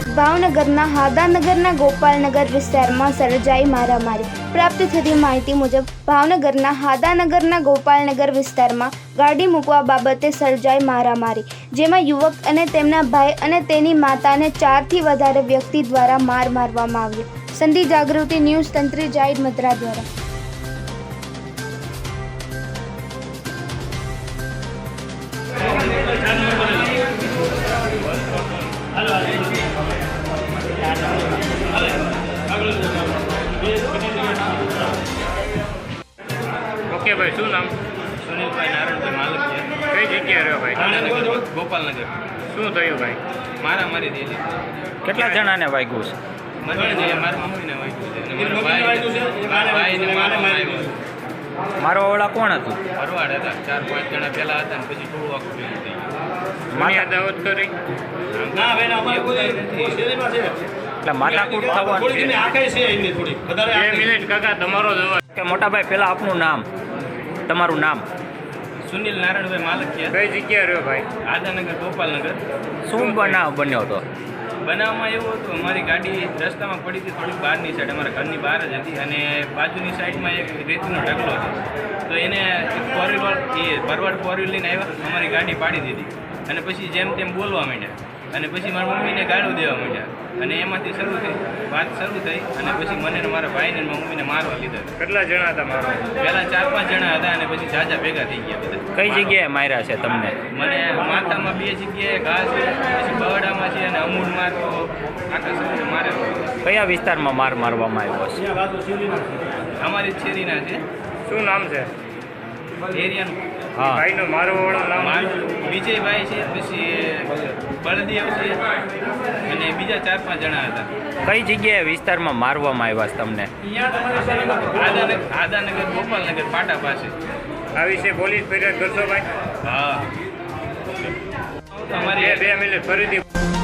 ભાવનગરના હાદાનગરના ગોપાલનગર વિસ્તારમાં સર્જાઈ મારામારી। પ્રાપ્ત થતી માહિતી મુજબ ભાવનગરના હાદાનગરના ગોપાલનગર વિસ્તારમાં ગાડી મૂકવા બાબતે સર્જાઈ મારામારી, જેમાં યુવક અને તેમના ભાઈ અને તેની માતાને 4 થી વધારે વ્યક્તિ દ્વારા માર મારવામાં આવ્યો। સંધિ જાગૃતિ ન્યૂઝ તંત્રી જાહિદ મદ્રા દ્વારા। ओके भाई, शू नाम? सुनील भाई नारायण भाई मालक है। कई जग्या रहो भाई? गोपालनगर। शू थयुं भाई? मारा मारी थी। કેટલા જણાને વાગ્યું છે? મને જે મારા મમ્મીને વાગ્યું છે અને મારા ભાઈને મારવામાં આવ્યો છે। મારો ઓળા કોણ હતું? ભરવાડ હતા, 4-5 જણા પહેલા હતા ને પછી થોડું આખું ભેગું થઈ ગયું। મારી દાવત કરી? ના ભાઈ અમારે કોઈ નથી। એટલે માથાકૂટ થવાનું છે. 2 મિનિટ કાકા, તમારો જવાબ। કે મોટાભાઈ પહેલાં આપનું નામ, તમારું નામ? સુનિલ નારાયણભાઈ માલક છે। કઈ જગ્યા રહ્યો ભાઈ? આદાનગર ગોપાલનગર। શું બનાવ બન્યો હતો? બનાવમાં એવું હતું, અમારી ગાડી રસ્તામાં પડી હતી થોડીક બહારની સાઈડ, અમારા ઘરની બહાર જ હતી અને બાજુની સાઈડમાં એક રેતીનો ઢગલો હતો, તો એને ફોર વ્હીલર ભરવાડ ફોર વ્હીલ લઈને આવ્યા, અમારી ગાડી પાડી દીધી અને પછી જેમ તેમ બોલવા માંડ્યા અને પછી મારા મમ્મીને ગાળું દેવા માંડ્યા અને એમાંથી વાત શરૂ થઈ અને પછી મને ને મારા ભાઈને ને મમ્મીને મારવા લીધા। કેટલા જણા હતા મારો? પહેલાં 4-5 જણા હતા અને પછી જાજા ભેગા થઈ ગયા બધા। કઈ જગ્યાએ માર્યા છે તમને? મને માથામાં 2 જગ્યાએ ઘા છે, પછી બવડામાં છે અને અમૂળ માર તો આખા શરીરે મારેલો। કયા વિસ્તારમાં માર મારવામાં આવ્યો છે? અમારી જ શેરીના છે। શું નામ છે એરિયાનું હા, ભાઈનો મારો વાળો નામ? મારું વિજયભાઈ છે, પછી બળદેવ છે અને બીજા 4-5 જણા હતા। કઈ જગ્યાએ વિસ્તારમાં મારવામાં આવ્યા છે તમને? આદાનગર ગોપાલનગર પાટા પાસે। આ વિશે પોલીસ ફરિયાદ કરશો ભાઈ? હા, અમારી 2 મિનિટ ફરીથી